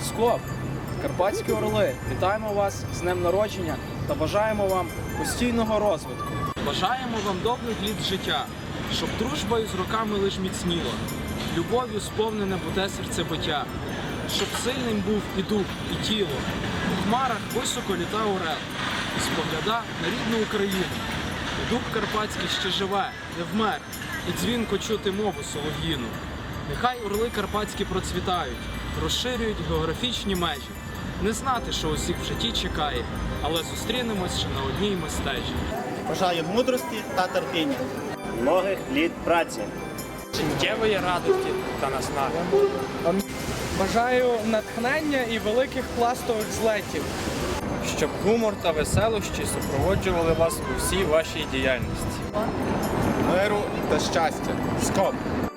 Скоп! Карпатські орли! Вітаємо вас з днем народження та бажаємо вам постійного розвитку. Бажаємо вам довгих літ життя, щоб дружбою з роками лиш міцніла, любов'ю сповнене буде серцебиття, щоб сильним був і дух, і тіло. У хмарах високо літав орел, і спогляда на рідну Україну. І дух карпатський ще живе, не вмер, і дзвінко чути мову солов'їну. Нехай орли карпатські процвітають, розширюють географічні межі. Не знати, що усіх в житті чекає, але зустрінемось ще на одній ми стежі. Бажаю мудрості та терпіння, Многих літ праці. Життєвої радості та наснаги. Бажаю натхнення і великих пластових злетів. Щоб гумор та веселощі супроводжували вас у всій вашій діяльності. Миру та щастя. Скоп!